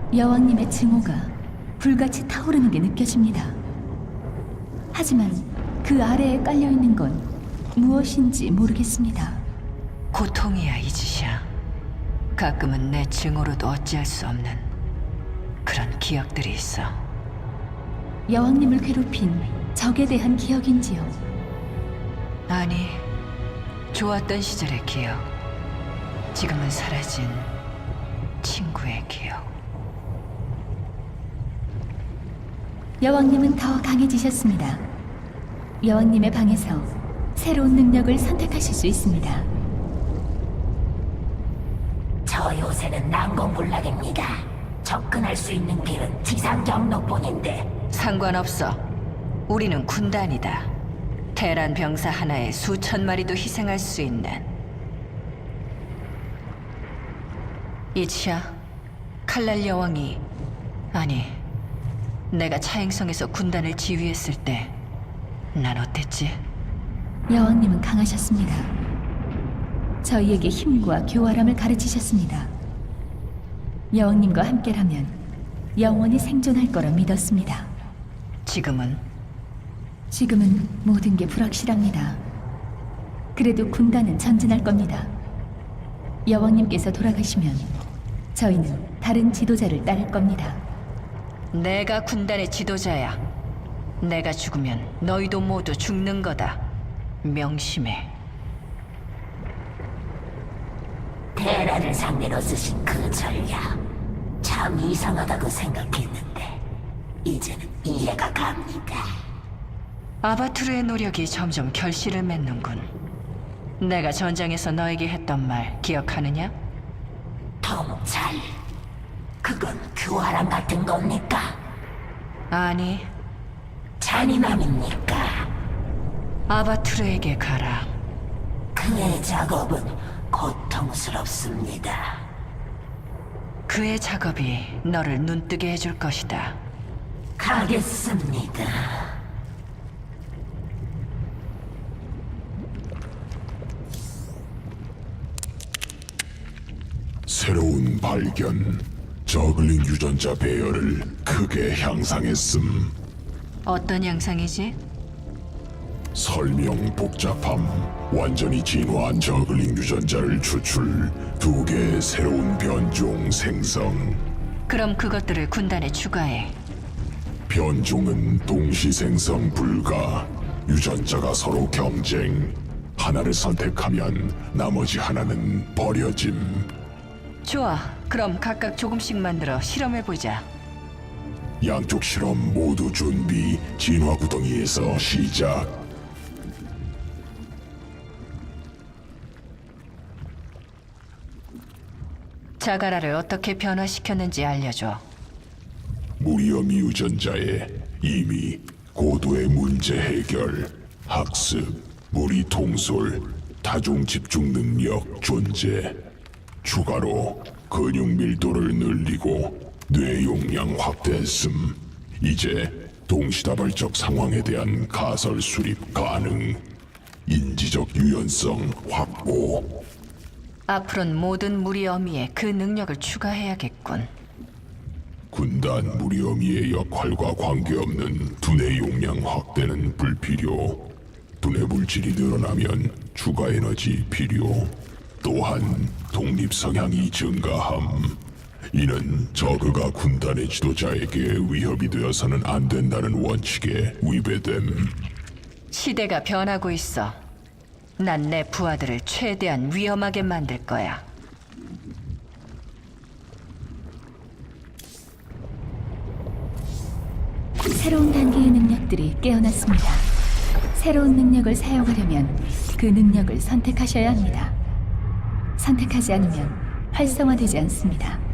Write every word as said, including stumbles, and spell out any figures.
여왕님의 증오가 불같이 타오르는 게 느껴집니다. 하지만 그 아래에 깔려있는 건 무엇인지 모르겠습니다. 고통이야, 이지샤. 가끔은 내 증오로도 어찌할 수 없는 그런 기억들이 있어. 여왕님을 괴롭힌 적에 대한 기억인지요? 아니, 좋았던 시절의 기억. 지금은 사라진 친구의 기억. 여왕님은 더 강해지셨습니다. 여왕님의 방에서 새로운 능력을 선택하실 수 있습니다. 저 요새는 난공불락입니다. 접근할 수 있는 길은 지상 경로뿐인데. 상관없어. 우리는 군단이다. 테란 병사 하나에 수천 마리도 희생할 수 있는. 이치야, 칼날 여왕이, 아니, 내가 차행성에서 군단을 지휘했을 때 난 어땠지? 여왕님은 강하셨습니다. 저희에게 힘과 교활함을 가르치셨습니다. 여왕님과 함께라면 영원히 생존할 거라 믿었습니다. 지금은? 지금은 모든 게 불확실합니다. 그래도 군단은 전진할 겁니다. 여왕님께서 돌아가시면 저희는 다른 지도자를 따를 겁니다. 내가 군단의 지도자야. 내가 죽으면 너희도 모두 죽는 거다. 명심해. 테라를 상대로 쓰신 그 전략 참 이상하다고 생각했는데 이제는 이해가 갑니다. 아바투르의 노력이 점점 결실을 맺는군. 내가 전장에서 너에게 했던 말 기억하느냐? 통찰, 그건 교활함 같은 겁니까? 아니, 잔인함입니까? 아바투르에게 가라. 그의 작업은 고통스럽습니다. 그의 작업이 너를 눈뜨게 해줄 것이다. 가겠습니다. 새로운 발견. 저글링 유전자 배열을 크게 향상했음. 어떤 양상이지? 설명 복잡함. 완전히 진화한 저글링 유전자를 추출. 두 개의 새로운 변종 생성. 그럼 그것들을 군단에 추가해. 변종은 동시 생성 불가. 유전자가 서로 경쟁. 하나를 선택하면 나머지 하나는 버려짐. 좋아. 그럼 각각 조금씩 만들어 실험해보자. 양쪽 실험 모두 준비. 진화 구덩이에서 시작. 자가라를 어떻게 변화시켰는지 알려줘. 무리엄 유전자에 이미 고도의 문제 해결, 학습, 무리 통솔, 다중 집중 능력 존재. 추가로 근육 밀도를 늘리고 뇌 용량 확대했음. 이제 동시다발적 상황에 대한 가설 수립 가능. 인지적 유연성 확보. 앞으로는 모든 무리 어미에 그 능력을 추가해야겠군. 군단 무리어미의 역할과 관계없는 두뇌 용량 확대는 불필요. 두뇌 물질이 늘어나면 추가 에너지 필요. 또한 독립 성향이 증가함. 이는 저그가 군단의 지도자에게 위협이 되어서는 안 된다는 원칙에 위배됨. 시대가 변하고 있어. 난 내 부하들을 최대한 위험하게 만들 거야. 새로운 단계의 능력들이 깨어났습니다. 새로운 능력을 사용하려면 그 능력을 선택하셔야 합니다. 선택하지 않으면 활성화되지 않습니다.